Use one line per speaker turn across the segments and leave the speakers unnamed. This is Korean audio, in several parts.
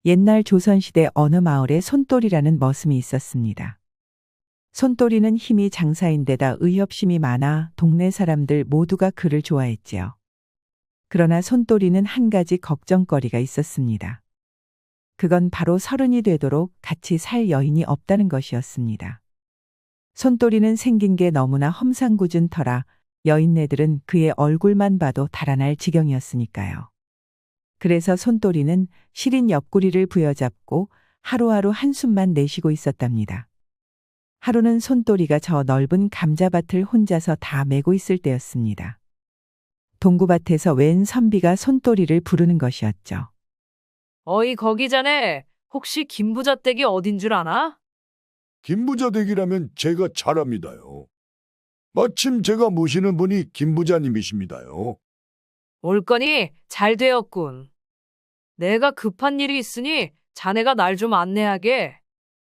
옛날 조선시대 어느 마을에 손돌이라는 머슴이 있었습니다. 손돌이는 힘이 장사인데다 의협심이 많아 동네 사람들 모두가 그를 좋아했지요. 그러나 손돌이는 한 가지 걱정거리가 있었습니다. 그건 바로 서른이 되도록 같이 살 여인이 없다는 것이었습니다. 손돌이는 생긴 게 너무나 험상궂은 터라 여인네들은 그의 얼굴만 봐도 달아날 지경이었으니까요. 그래서 손돌이는 시린 옆구리를 부여잡고 하루하루 한숨만 내쉬고 있었답니다. 하루는 손돌이가 저 넓은 감자밭을 혼자서 다 메고 있을 때였습니다. 동구밭에서 웬 선비가 손돌이를 부르는 것이었죠.
어이 거기 자네 혹시 김부자댁이 어딘 줄 아나?
김부자댁이라면 제가 잘 압니다요. 마침 제가 모시는 분이 김부자님이십니다요.
올 거니 잘 되었군. 내가 급한 일이 있으니 자네가 날 좀 안내하게.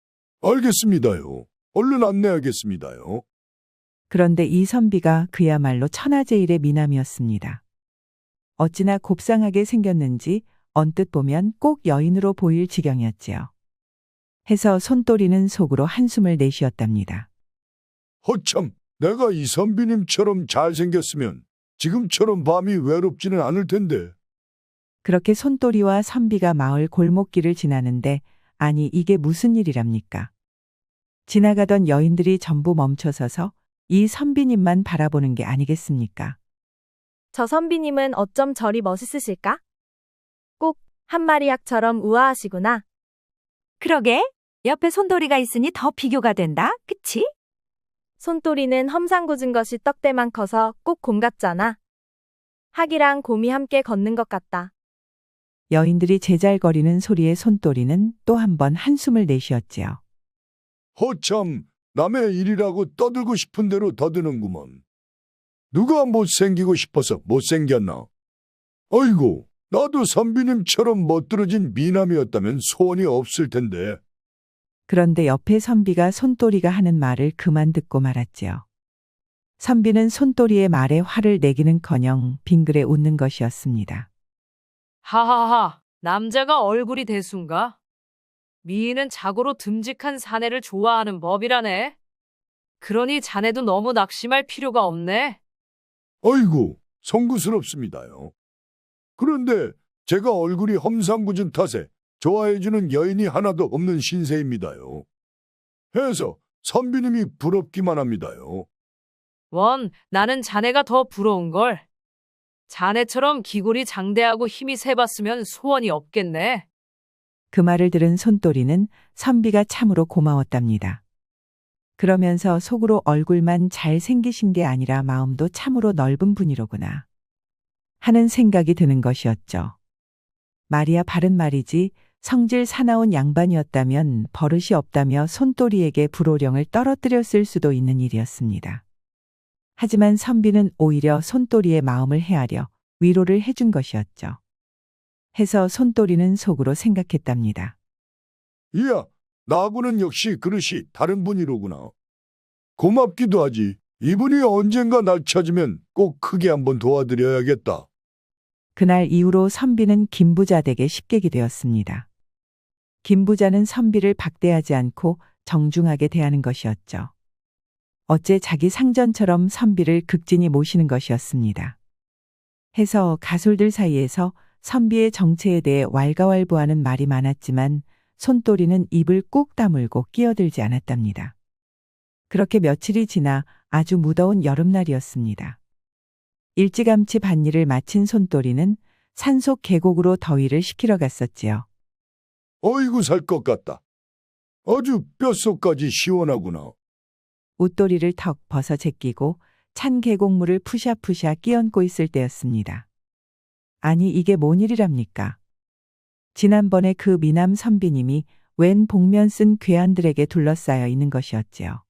알겠습니다요. 얼른 안내하겠습니다요.
그런데 이 선비가 그야말로 천하제일의 미남이었습니다. 어찌나 곱상하게 생겼는지 언뜻 보면 꼭 여인으로 보일 지경이었지요. 해서 손돌이는 속으로 한숨을 내쉬었답니다.
허참, 내가 이 선비님처럼 잘생겼으면 지금처럼 밤이 외롭지는 않을 텐데.
그렇게 손돌이와 선비가 마을 골목길을 지나는데 아니 이게 무슨 일이랍니까? 지나가던 여인들이 전부 멈춰서서 이 선비님만 바라보는 게 아니겠습니까?
저 선비님은 어쩜 저리 멋있으실까? 꼭 한 마리 약처럼 우아하시구나.
그러게, 옆에 손돌이가 있으니 더 비교가 된다, 그치?
손돌이는 험상궂은 것이 떡대만 커서 꼭 곰 같잖아. 학이랑 곰이 함께 걷는 것 같다.
여인들이 제잘거리는 소리에 손돌이는 또 한 번 한숨을 내쉬었지요.
허참, 남의 일이라고 떠들고 싶은 대로 더드는구먼. 누가 못생기고 싶어서 못생겼나? 아이고, 나도 선비님처럼 멋들어진 미남이었다면 소원이 없을 텐데.
그런데 옆에 선비가 손돌이가 하는 말을 그만 듣고 말았지요. 선비는 손돌이의 말에 화를 내기는커녕 빙그레 웃는 것이었습니다.
하하하, 남자가 얼굴이 대수인가? 미인은 자고로 듬직한 사내를 좋아하는 법이라네. 그러니 자네도 너무 낙심할 필요가 없네.
아이고, 송구스럽습니다요. 그런데 제가 얼굴이 험상궂은 탓에 좋아해주는 여인이 하나도 없는 신세입니다요. 해서 선비님이 부럽기만 합니다요.
나는 자네가 더 부러운걸. 자네처럼 기골이 장대하고 힘이 세봤으면 소원이 없겠네.
그 말을 들은 손돌이는 선비가 참으로 고마웠답니다. 그러면서 속으로 얼굴만 잘생기신 게 아니라 마음도 참으로 넓은 분이로구나 하는 생각이 드는 것이었죠. 말이야 바른 말이지 성질 사나운 양반이었다면 버릇이 없다며 손돌이에게 불호령을 떨어뜨렸을 수도 있는 일이었습니다. 하지만 선비는 오히려 손돌이의 마음을 헤아려 위로를 해준 것이었죠. 해서 손돌이는 속으로 생각했답니다.
이야, 나하고는 역시 그릇이 다른 분이로구나. 고맙기도 하지. 이분이 언젠가 날 찾으면 꼭 크게 한번 도와드려야겠다.
그날 이후로 선비는 김부자 댁의 식객이 되었습니다. 김부자는 선비를 박대하지 않고 정중하게 대하는 것이었죠. 어째 자기 상전처럼 선비를 극진히 모시는 것이었습니다. 해서 가솔들 사이에서 선비의 정체에 대해 왈가왈부하는 말이 많았지만 손돌이는 입을 꾹 다물고 끼어들지 않았답니다. 그렇게 며칠이 지나 아주 무더운 여름날이었습니다. 일찌감치 밭일을 마친 손돌이는 산속 계곡으로 더위를 식히러 갔었지요.
어이구 살 것 같다. 아주 뼛속까지 시원하구나.
웃도리를 턱 벗어 제끼고 찬 계곡물을 푸샤푸샤 끼얹고 있을 때였습니다. 아니 이게 뭔 일이랍니까? 지난번에 그 미남 선비님이 웬 복면 쓴 괴한들에게 둘러싸여 있는 것이었지요.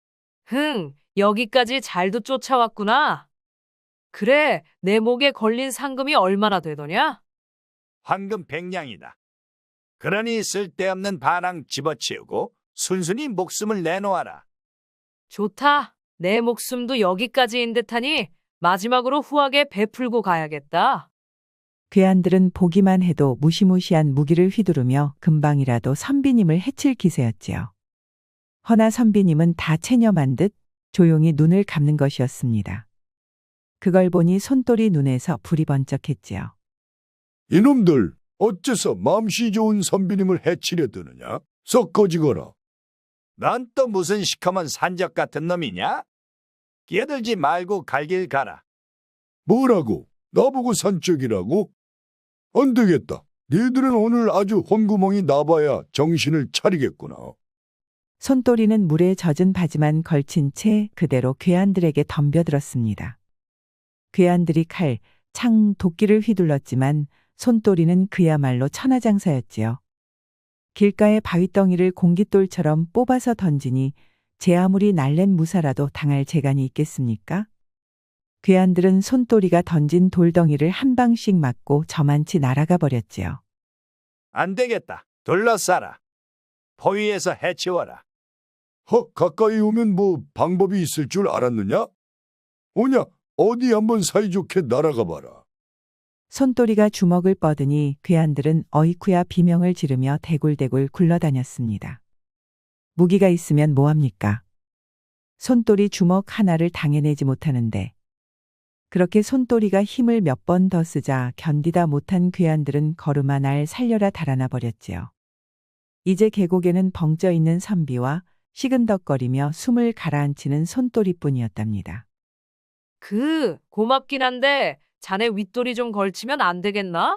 여기까지 잘도 쫓아왔구나. 그래, 내 목에 걸린 상금이 얼마나 되더냐?
황금 100냥이다. 그러니 쓸데없는 반항 집어치우고 순순히 목숨을 내놓아라.
좋다. 내 목숨도 여기까지인 듯하니 마지막으로 후하게 베풀고 가야겠다.
괴한들은 보기만 해도 무시무시한 무기를 휘두르며 금방이라도 선비님을 해칠 기세였지요. 허나 선비님은 다 체념한 듯 조용히 눈을 감는 것이었습니다. 그걸 보니 손돌이 눈에서 불이 번쩍했지요.
이놈들 어째서 맘씨 좋은 선비님을 해치려 드느냐? 썩 꺼지거라.
넌 또 무슨 시커먼 산적 같은 놈이냐? 끼어들지 말고 갈 길 가라.
뭐라고? 나보고 산적이라고? 안 되겠다. 니들은 오늘 아주 혼구멍이 나봐야 정신을 차리겠구나.
손돌이는 물에 젖은 바지만 걸친 채 그대로 괴한들에게 덤벼들었습니다. 괴한들이 칼, 창, 도끼를 휘둘렀지만 손돌이는 그야말로 천하장사였지요. 길가의 바위덩이를 공깃돌처럼 뽑아서 던지니 제 아무리 날랜 무사라도 당할 재간이 있겠습니까? 괴한들은 손돌이가 던진 돌덩이를 한 방씩 맞고 저만치 날아가 버렸지요.
안 되겠다. 둘러싸라. 포위해서 해치워라.
가까이 오면 뭐 방법이 있을 줄 알았느냐? 오냐, 어디 한번 사이좋게 날아가 봐라.
손돌이가 주먹을 뻗으니 괴한들은 어이쿠야 비명을 지르며 대굴대굴 굴러다녔습니다. 무기가 있으면 뭐합니까? 손돌이 주먹 하나를 당해내지 못하는데 그렇게 손돌이가 힘을 몇 번 더 쓰자 견디다 못한 괴한들은 걸음아 날 살려라 달아나 버렸지요. 이제 계곡에는 벙쪄 있는 선비와 시근덕거리며 숨을 가라앉히는 손돌이뿐이었답니다.
고맙긴 한데 자네 윗돌이 좀 걸치면 안 되겠나?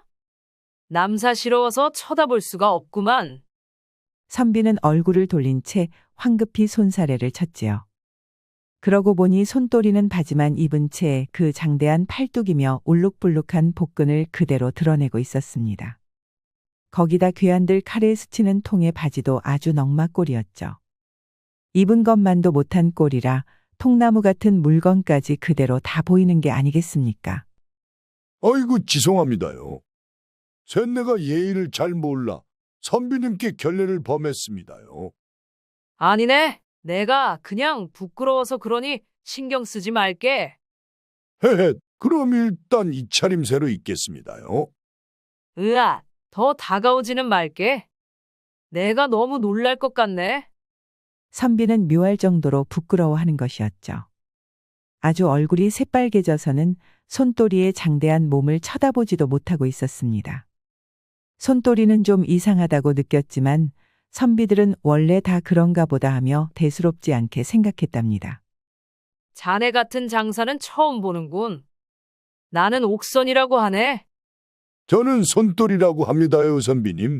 남사스러워서 쳐다볼 수가 없구만.
선비는 얼굴을 돌린 채 황급히 손사래를 쳤지요. 그러고 보니 손돌이는 바지만 입은 채 그 장대한 팔뚝이며 울룩불룩한 복근을 그대로 드러내고 있었습니다. 거기다 괴한들 칼에 스치는 통의 바지도 아주 넉마꼴이었죠. 입은 것만도 못한 꼴이라 통나무 같은 물건까지 그대로 다 보이는 게 아니겠습니까?
아이고 죄송합니다요. 쇳내가 예의를 잘 몰라 선비님께 결례를 범했습니다요.
아니네. 내가 그냥 부끄러워서 그러니 신경 쓰지 말게.
헤헤, 그럼 일단 이 차림새로 있겠습니다요.
으아, 더 다가오지는 말게. 내가 너무 놀랄 것 같네.
선비는 묘할 정도로 부끄러워하는 것이었죠. 아주 얼굴이 새빨개져서는 손돌이의 장대한 몸을 쳐다보지도 못하고 있었습니다. 손돌이는 좀 이상하다고 느꼈지만 선비들은 원래 다 그런가 보다 하며 대수롭지 않게 생각했답니다.
자네 같은 장사는 처음 보는군. 나는 옥선이라고 하네.
저는 손돌이라고 합니다요, 선비님.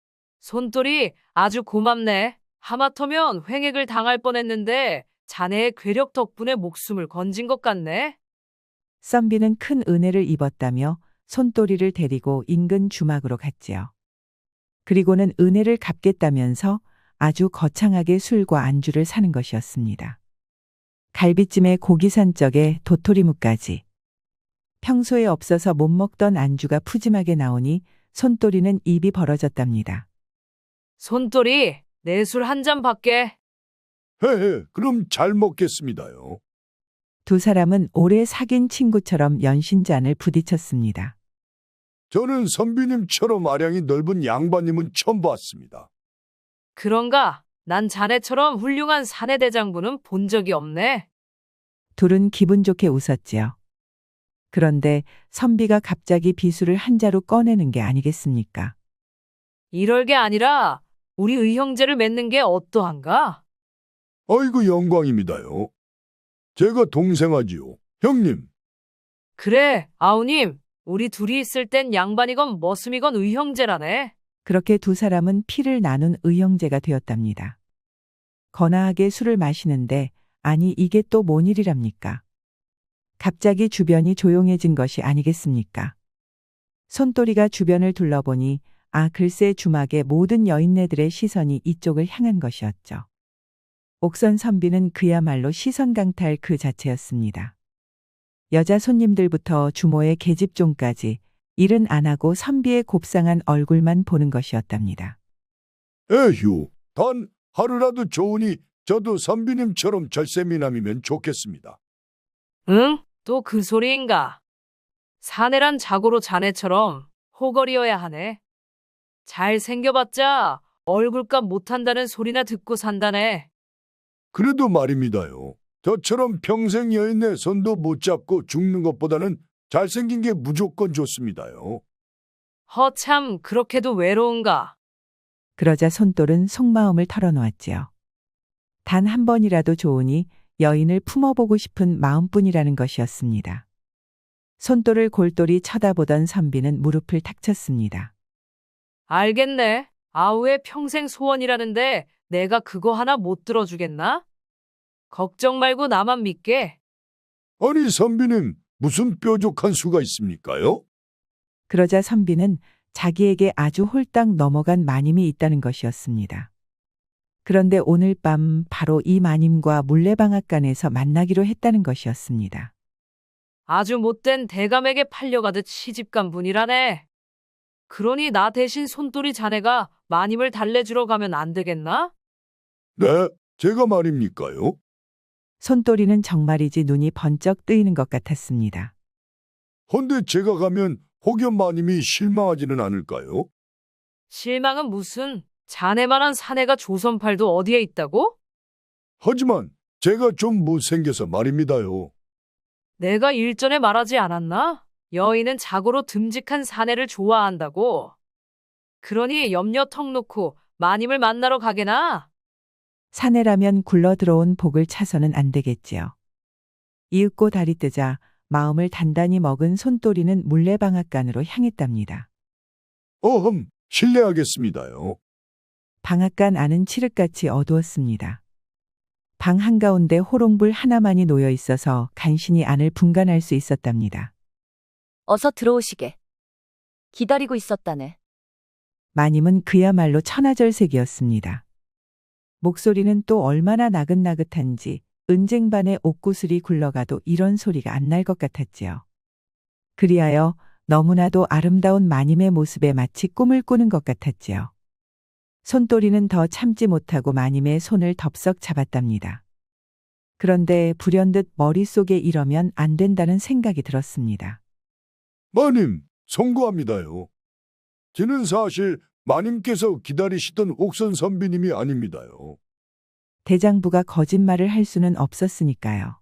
손돌이 아주 고맙네. 하마터면 횡액을 당할 뻔했는데 자네의 괴력 덕분에 목숨을 건진 것 같네.
선비는 큰 은혜를 입었다며 손돌이를 데리고 인근 주막으로 갔지요. 그리고는 은혜를 갚겠다면서 아주 거창하게 술과 안주를 사는 것이었습니다. 갈비찜에 고기산적에 도토리묵까지. 평소에 없어서 못 먹던 안주가 푸짐하게 나오니 손돌이는 입이 벌어졌답니다.
손돌이, 내 술 한 잔 받게.
헤헤, 그럼 잘 먹겠습니다요.
두 사람은 오래 사귄 친구처럼 연신잔을 부딪혔습니다.
저는 선비님처럼 아량이 넓은 양반님은 처음 봤습니다.
그런가? 난 자네처럼 훌륭한 사내대장부는 본 적이 없네.
둘은 기분 좋게 웃었지요. 그런데 선비가 갑자기 비수를 한 자루 꺼내는 게 아니겠습니까?
이럴 게 아니라 우리 의형제를 맺는 게 어떠한가?
아이고 영광입니다요. 제가 동생하지요. 형님.
그래, 아우님. 우리 둘이 있을 땐 양반이건 머슴이건 의형제라네.
그렇게 두 사람은 피를 나눈 의형제가 되었답니다. 거나하게 술을 마시는데 아니 이게 또 뭔 일이랍니까? 갑자기 주변이 조용해진 것이 아니겠습니까? 손돌이가 주변을 둘러보니 글새 주막의 모든 여인네들의 시선이 이쪽을 향한 것이었죠. 옥선 선비는 그야말로 시선 강탈 그 자체였습니다. 여자 손님들부터 주모의 계집종까지 일은 안 하고 선비의 곱상한 얼굴만 보는 것이었답니다.
에휴, 단 하루라도 좋으니 저도 선비님처럼 절세미남이면 좋겠습니다.
응? 또 그 소리인가? 사내란 자고로 자네처럼 호걸이어야 하네. 잘 생겨봤자 얼굴값 못한다는 소리나 듣고 산다네.
그래도 말입니다요. 저처럼 평생 여인의 손도 못 잡고 죽는 것보다는 잘생긴 게 무조건 좋습니다요.
허참 그렇게도 외로운가?
그러자 손돌은 속마음을 털어놓았지요. 단 한 번이라도 좋으니 여인을 품어보고 싶은 마음뿐이라는 것이었습니다. 손돌을 골똘히 쳐다보던 선비는 무릎을 탁 쳤습니다.
알겠네. 아우의 평생 소원이라는데 내가 그거 하나 못 들어주겠나? 걱정 말고 나만 믿게.
아니 선비님 무슨 뾰족한 수가 있습니까요?
그러자 선비는 자기에게 아주 홀딱 넘어간 마님이 있다는 것이었습니다. 그런데 오늘 밤 바로 이 마님과 물레방앗간에서 만나기로 했다는 것이었습니다.
아주 못된 대감에게 팔려가듯 시집간 분이라네. 그러니 나 대신 손돌이 자네가 마님을 달래주러 가면 안 되겠나?
네, 제가 말입니까요?
손돌이는 정말이지 눈이 번쩍 뜨이는 것 같았습니다.
헌데 제가 가면 혹여 마님이 실망하지는 않을까요?
실망은 무슨, 자네만한 사내가 조선팔도 어디에 있다고?
하지만 제가 좀 못생겨서 말입니다요.
내가 일전에 말하지 않았나? 여인은 자고로 듬직한 사내를 좋아한다고. 그러니 염려 턱 놓고 마님을 만나러 가게나.
사내라면 굴러 들어온 복을 차서는 안 되겠지요. 이윽고 달이 뜨자 마음을 단단히 먹은 손돌이는 물레방앗간으로 향했답니다.
어흠, 실례하겠습니다요.
방앗간 안은 칠흑같이 어두웠습니다. 방 한가운데 호롱불 하나만이 놓여 있어서 간신히 안을 분간할 수 있었답니다.
어서 들어오시게. 기다리고 있었다네.
마님은 그야말로 천하절색이었습니다. 목소리는 또 얼마나 나긋나긋한지 은쟁반의 옥구슬이 굴러가도 이런 소리가 안 날 것 같았지요. 그리하여 너무나도 아름다운 마님의 모습에 마치 꿈을 꾸는 것 같았지요. 손돌이는 더 참지 못하고 마님의 손을 덥석 잡았답니다. 그런데 불현듯 머릿속에 이러면 안 된다는 생각이 들었습니다.
마님, 송구합니다요. 저는 사실 마님께서 기다리시던 옥선 선비님이 아닙니다요.
대장부가 거짓말을 할 수는 없었으니까요.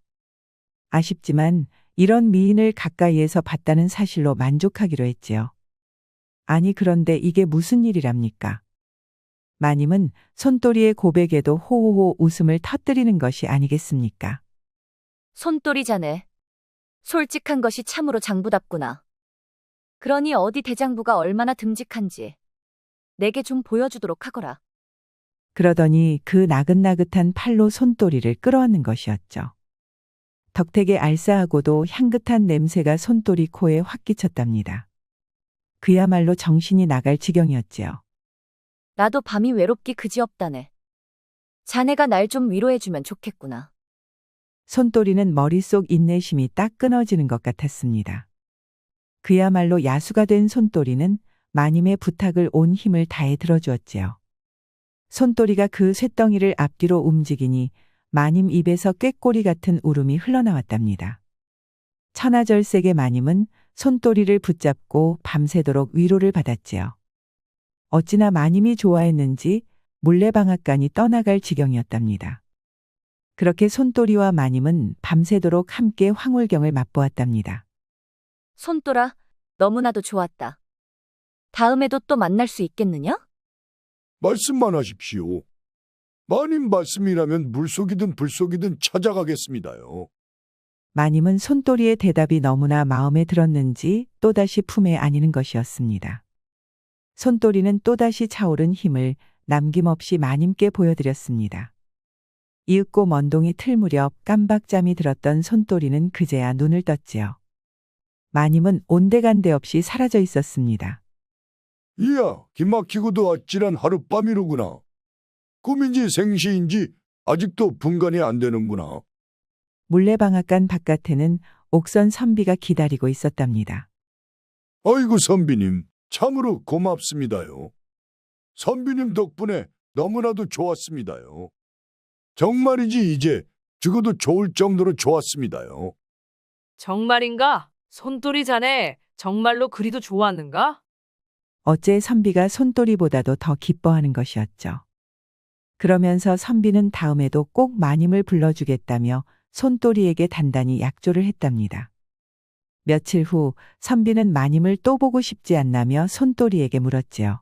아쉽지만 이런 미인을 가까이에서 봤다는 사실로 만족하기로 했지요. 아니 그런데 이게 무슨 일이랍니까? 마님은 손돌이의 고백에도 호호호 웃음을 터뜨리는 것이 아니겠습니까?
손돌이 자네. 솔직한 것이 참으로 장부답구나. 그러니 어디 대장부가 얼마나 듬직한지 내게 좀 보여주도록 하거라.
그러더니 그 나긋나긋한 팔로 손돌이를 끌어안는 것이었죠. 덕택의 알싸하고도 향긋한 냄새가 손돌이 코에 확 끼쳤답니다. 그야말로 정신이 나갈 지경이었지요.
나도 밤이 외롭기 그지없다네. 자네가 날 좀 위로해주면 좋겠구나.
손돌이는 머릿속 인내심이 딱 끊어지는 것 같았습니다. 그야말로 야수가 된 손돌이는 마님의 부탁을 온 힘을 다해 들어주었지요. 손돌이가 그 쇳덩이를 앞뒤로 움직이니 마님 입에서 꾀꼬리 같은 울음이 흘러나왔답니다. 천하절색의 마님은 손돌이를 붙잡고 밤새도록 위로를 받았지요. 어찌나 마님이 좋아했는지 물레방앗간이 떠나갈 지경이었답니다. 그렇게 손돌이와 마님은 밤새도록 함께 황홀경을 맛보았답니다.
손돌아, 너무나도 좋았다. 다음에도 또 만날 수 있겠느냐?
말씀만 하십시오. 마님 말씀이라면 물속이든 불속이든 찾아가겠습니다요.
마님은 손돌이의 대답이 너무나 마음에 들었는지 또다시 품에 안이는 것이었습니다. 손돌이는 또다시 차오른 힘을 남김없이 마님께 보여드렸습니다. 이윽고 먼동이 틀 무렵 깜박잠이 들었던 손돌이는 그제야 눈을 떴지요. 마님은 온데간데 없이 사라져 있었습니다.
이야, 기막히고도 아찔한 하룻밤이로구나. 꿈인지 생시인지 아직도 분간이 안 되는구나.
물레방앗간 바깥에는 옥선 선비가 기다리고 있었답니다.
아이고 선비님, 참으로 고맙습니다요. 선비님 덕분에 너무나도 좋았습니다요. 정말이지 이제 죽어도 좋을 정도로 좋았습니다요.
정말인가? 손돌이 자네 정말로 그리도 좋아하는가?
어째 선비가 손돌이보다도 더 기뻐하는 것이었죠. 그러면서 선비는 다음에도 꼭 마님을 불러주겠다며 손돌이에게 단단히 약조를 했답니다. 며칠 후 선비는 마님을 또 보고 싶지 않나며 손돌이에게 물었지요.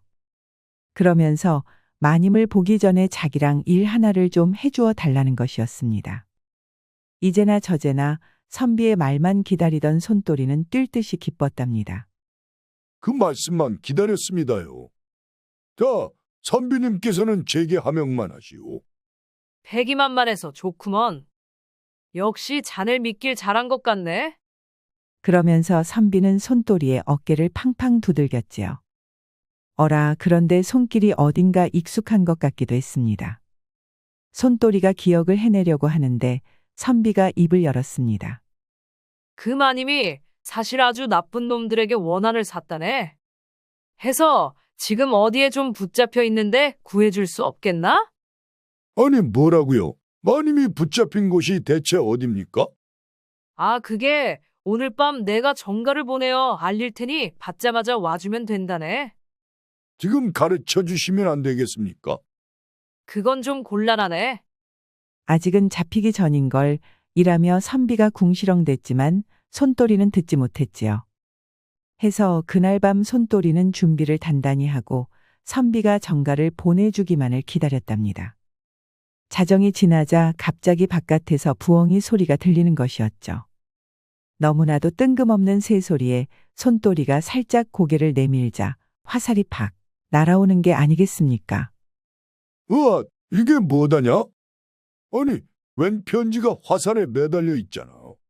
그러면서 마님을 보기 전에 자기랑 일 하나를 좀 해주어 달라는 것이었습니다. 이제나 저제나 선비의 말만 기다리던 손돌이는 뛸 듯이 기뻤답니다.
그 말씀만 기다렸습니다요. 자, 선비님께서는 제게 하명만 하시오.
패기만만해서 좋구먼. 역시 자넬 믿길 잘한 것 같네.
그러면서 선비는 손돌이의 어깨를 팡팡 두들겼지요. 어라, 그런데 손길이 어딘가 익숙한 것 같기도 했습니다. 손돌이가 기억을 해내려고 하는데 선비가 입을 열었습니다.
그 마님이 사실 아주 나쁜 놈들에게 원한을 샀다네. 해서 지금 어디에 좀 붙잡혀 있는데 구해줄 수 없겠나?
아니, 뭐라고요? 마님이 붙잡힌 곳이 대체 어딥니까?
아, 그게 오늘 밤 내가 정가를 보내어 알릴 테니 받자마자 와주면 된다네.
지금 가르쳐 주시면 안 되겠습니까?
그건 좀 곤란하네.
아직은 잡히기 전인 걸 이라며 선비가 궁시렁댔지만 손돌이는 듣지 못했지요. 해서 그날 밤 손돌이는 준비를 단단히 하고 선비가 정가를 보내주기만을 기다렸답니다. 자정이 지나자 갑자기 바깥에서 부엉이 소리가 들리는 것이었죠. 너무나도 뜬금없는 새소리에 손돌이가 살짝 고개를 내밀자 화살이 팍 날아오는 게 아니겠습니까?
으아, 이게 뭐다냐? 아니, 웬 편지가 화살에 매달려 있잖아.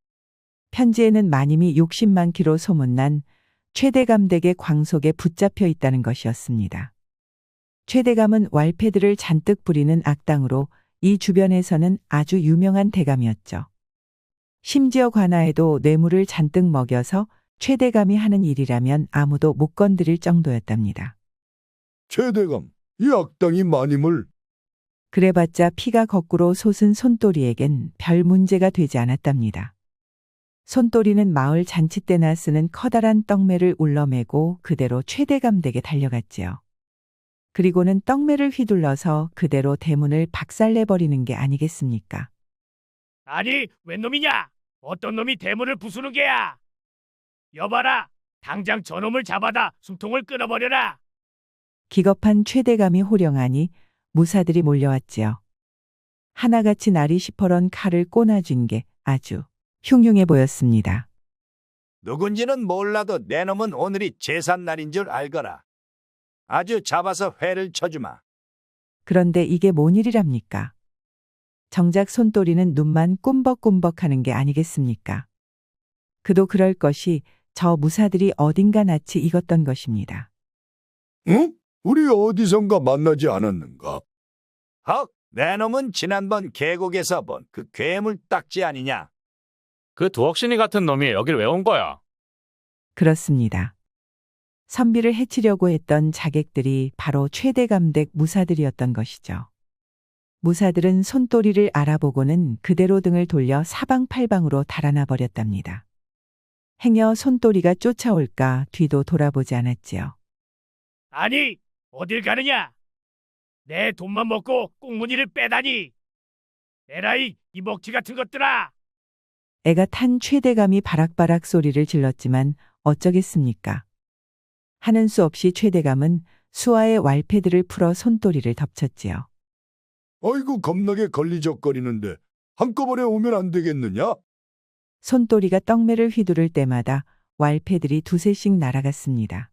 편지에는 마님이 욕심 많기로 소문난 최대감댁의 광속에 붙잡혀 있다는 것이었습니다. 최대감은 왈패들을 잔뜩 부리는 악당으로 이 주변에서는 아주 유명한 대감이었죠. 심지어 관아에도 뇌물을 잔뜩 먹여서 최대감이 하는 일이라면 아무도 못 건드릴 정도였답니다.
최대감, 이 악당이 마님을.
그래봤자 피가 거꾸로 솟은 손돌이에겐 별 문제가 되지 않았답니다. 손돌이는 마을 잔치 때나 쓰는 커다란 떡매를 울러매고 그대로 최대감 댁에 달려갔지요. 그리고는 떡매를 휘둘러서 그대로 대문을 박살내버리는 게 아니겠습니까?
아니, 웬 놈이냐? 어떤 놈이 대문을 부수는 게야? 여봐라, 당장 저놈을 잡아다 숨통을 끊어버려라.
기겁한 최대감이 호령하니 무사들이 몰려왔지요. 하나같이 날이 시퍼런 칼을 꼬나쥔 게 아주 흉흉해 보였습니다.
누군지는 몰라도 내 놈은 오늘이 제삿날인 줄 알거라. 아주 잡아서 회를 쳐주마.
그런데 이게 뭔 일이랍니까? 정작 손돌이는 눈만 꿈벅꿈벅하는 게 아니겠습니까? 그도 그럴 것이 저 무사들이 어딘가 낯이 익었던 것입니다.
응? 우리 어디선가 만나지 않았는가?
헉, 내 놈은 지난번 계곡에서 본 그 괴물 딱지 아니냐?
그 두억신이 같은 놈이 여길 왜 온 거야?
그렇습니다. 선비를 해치려고 했던 자객들이 바로 최대감댁 무사들이었던 것이죠. 무사들은 손돌이를 알아보고는 그대로 등을 돌려 사방팔방으로 달아나 버렸답니다. 행여 손돌이가 쫓아올까 뒤도 돌아보지 않았지요.
아니, 어딜 가느냐? 내 돈만 먹고 꽁무니를 빼다니. 에라이, 이 먹튀 같은 것들아.
애가 탄 최대감이 바락바락 소리를 질렀지만 어쩌겠습니까? 하는 수 없이 최대감은 수아의 왈패들을 풀어 손돌이를 덮쳤지요.
아이고, 겁나게 걸리적거리는데 한꺼번에 오면 안 되겠느냐?
손돌이가 떡매를 휘두를 때마다 왈패들이 두세씩 날아갔습니다.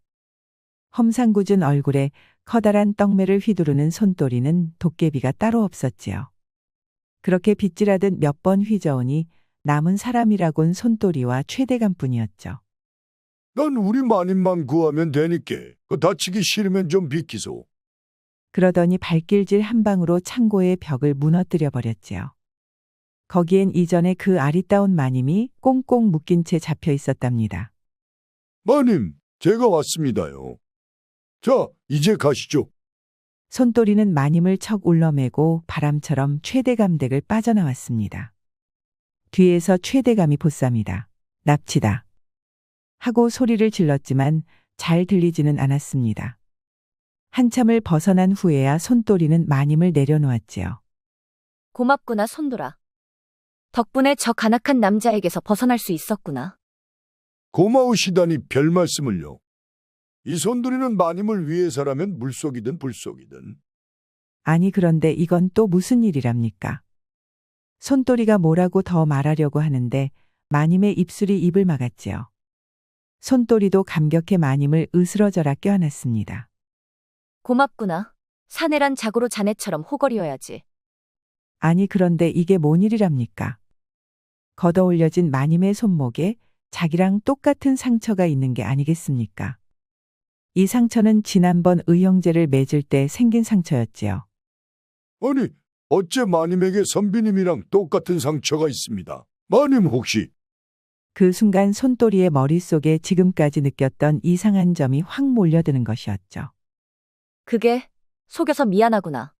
험상궂은 얼굴에 커다란 떡매를 휘두르는 손돌이는 도깨비가 따로 없었지요. 그렇게 빗질하듯 몇 번 휘저으니 남은 사람이라곤 손돌이와 최대감뿐이었죠.
난 우리 마님만 구하면 되니께 그 다치기 싫으면 좀 비키소.
그러더니 발길질 한 방으로 창고의 벽을 무너뜨려 버렸지요. 거기엔 이전에 그 아리따운 마님이 꽁꽁 묶인 채 잡혀 있었답니다.
마님, 제가 왔습니다요. 자, 이제 가시죠.
손돌이는 마님을 척 울러매고 바람처럼 최대감 댁을 빠져나왔습니다. 뒤에서 최대감이 보쌉니다. 납치다. 하고 소리를 질렀지만 잘 들리지는 않았습니다. 한참을 벗어난 후에야 손또리는 마님을 내려놓았지요.
고맙구나, 손돌아. 덕분에 저 간악한 남자에게서 벗어날 수 있었구나.
고마우시다니 별 말씀을요. 이 손돌이는 마님을 위해서라면 물속이든 불속이든.
아니 그런데 이건 또 무슨 일이랍니까? 손또리가 뭐라고 더 말하려고 하는데 마님의 입술이 입을 막았지요. 손또리도 감격해 마님을 으스러져라 껴안았습니다.
고맙구나. 사내란 자고로 자네처럼 호걸이어야지.
아니 그런데 이게 뭔 일이랍니까? 걷어올려진 마님의 손목에 자기랑 똑같은 상처가 있는 게 아니겠습니까? 이 상처는 지난번 의형제를 맺을 때 생긴 상처였지요.
아니, 어째 마님에게 선비님이랑 똑같은 상처가 있습니다. 마님 혹시
그 순간 손또리의 머릿속에 지금까지 느꼈던 이상한 점이 확 몰려드는 것이었죠.
그게 속여서 미안하구나.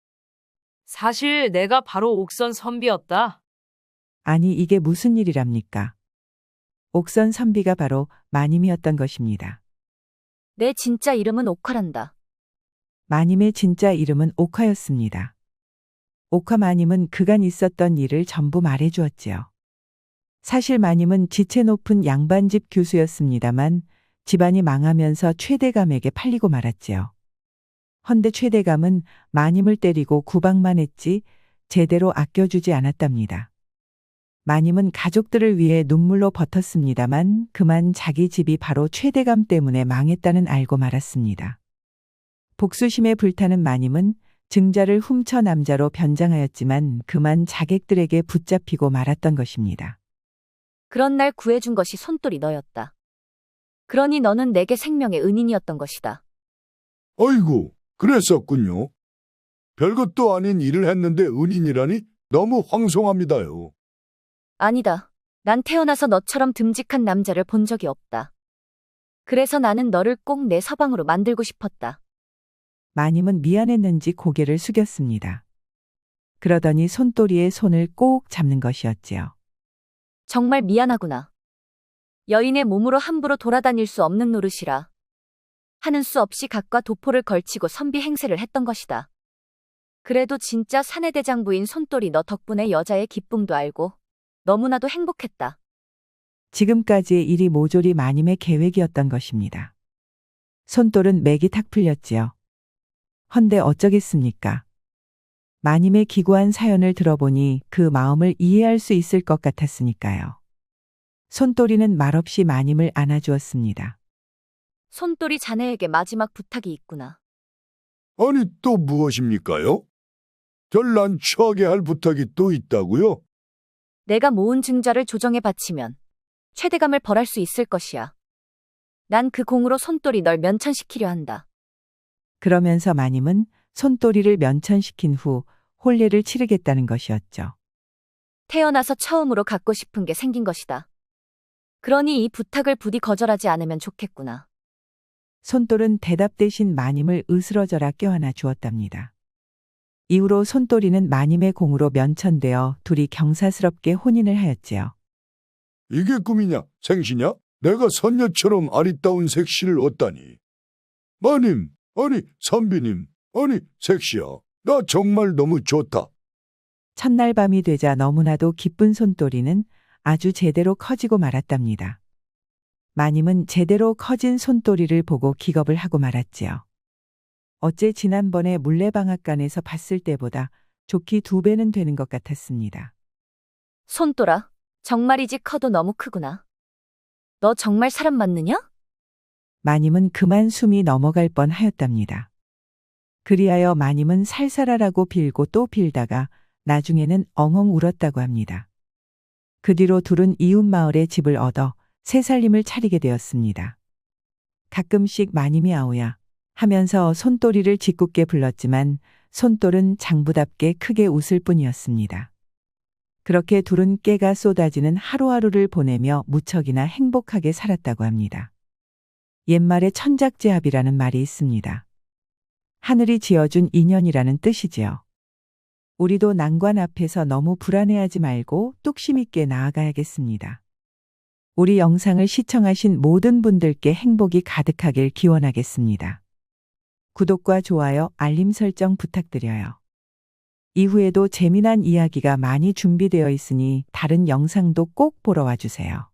사실 내가 바로 옥선 선비였다.
아니 이게 무슨 일이랍니까? 옥선 선비가 바로 마님이었던 것입니다.
내 진짜 이름은 옥화란다.
마님의 진짜 이름은 옥화였습니다. 옥화 마님은 그간 있었던 일을 전부 말해주었지요. 사실 마님은 지체 높은 양반집 교수였습니다만 집안이 망하면서 최대감에게 팔리고 말았지요. 헌데 최대감은 마님을 때리고 구박만 했지 제대로 아껴주지 않았답니다. 마님은 가족들을 위해 눈물로 버텼습니다만 그만 자기 집이 바로 최대감 때문에 망했다는 알고 말았습니다. 복수심에 불타는 마님은 증자를 훔쳐 남자로 변장하였지만 그만 자객들에게 붙잡히고 말았던 것입니다.
그런 날 구해준 것이 손돌이 너였다. 그러니 너는 내게 생명의 은인이었던 것이다.
아이고, 그랬었군요. 별것도 아닌 일을 했는데 은인이라니 너무 황송합니다요.
아니다. 난 태어나서 너처럼 듬직한 남자를 본 적이 없다. 그래서 나는 너를 꼭 내 서방으로 만들고 싶었다.
마님은 미안했는지 고개를 숙였습니다. 그러더니 손또리의 손을 꼭 잡는 것이었지요.
정말 미안하구나. 여인의 몸으로 함부로 돌아다닐 수 없는 노릇이라. 하는 수 없이 각과 도포를 걸치고 선비 행세를 했던 것이다. 그래도 진짜 사내대장부인 손돌이 너 덕분에 여자의 기쁨도 알고 너무나도 행복했다.
지금까지의 일이 모조리 마님의 계획이었던 것입니다. 손돌은 맥이 탁 풀렸지요. 헌데 어쩌겠습니까? 마님의 기구한 사연을 들어보니 그 마음을 이해할 수 있을 것 같았으니까요. 손돌이는 말없이 마님을 안아주었습니다.
손돌이 자네에게 마지막 부탁이 있구나.
아니 또 무엇입니까요? 절 난처하게 할 부탁이 또 있다고요?
내가 모은 증자를 조정에 바치면 최대감을 벌할 수 있을 것이야. 난 그 공으로 손돌이 널 면천시키려 한다.
그러면서 마님은 손또리를 면천시킨 후 혼례를 치르겠다는 것이었죠.
태어나서 처음으로 갖고 싶은 게 생긴 것이다. 그러니 이 부탁을 부디 거절하지 않으면 좋겠구나.
손돌은 대답 대신 마님을 으스러져라 껴안아 주었답니다. 이후로 손돌이는 마님의 공으로 면천되어 둘이 경사스럽게 혼인을 하였지요.
이게 꿈이냐 생시냐? 내가 선녀처럼 아리따운 색시를 얻다니. 마님, 아니 선비님, 아니 색시야. 나 정말 너무 좋다.
첫날 밤이 되자 너무나도 기쁜 손돌이는 아주 제대로 커지고 말았답니다. 마님은 제대로 커진 손돌이를 보고 기겁을 하고 말았지요. 어째 지난번에 물레방앗간에서 봤을 때보다 좋기 2배는 되는 것 같았습니다.
손돌아, 정말이지 커도 너무 크구나. 너 정말 사람 맞느냐?
마님은 그만 숨이 넘어갈 뻔하였답니다. 그리하여 마님은 살살하라고 빌고 또 빌다가 나중에는 엉엉 울었다고 합니다. 그 뒤로 둘은 이웃 마을에 집을 얻어 새살림을 차리게 되었습니다. 가끔씩 마님이 아오야 하면서 손돌이를 짓궂게 불렀지만 손돌은 장부답게 크게 웃을 뿐이었습니다. 그렇게 둘은 깨가 쏟아지는 하루하루를 보내며 무척이나 행복하게 살았다고 합니다. 옛말에 천작제합이라는 말이 있습니다. 하늘이 지어준 인연이라는 뜻이지요. 우리도 난관 앞에서 너무 불안해하지 말고 뚝심 있게 나아가야겠습니다. 우리 영상을 시청하신 모든 분들께 행복이 가득하길 기원하겠습니다. 구독과 좋아요, 알림 설정 부탁드려요. 이후에도 재미난 이야기가 많이 준비되어 있으니 다른 영상도 꼭 보러 와주세요.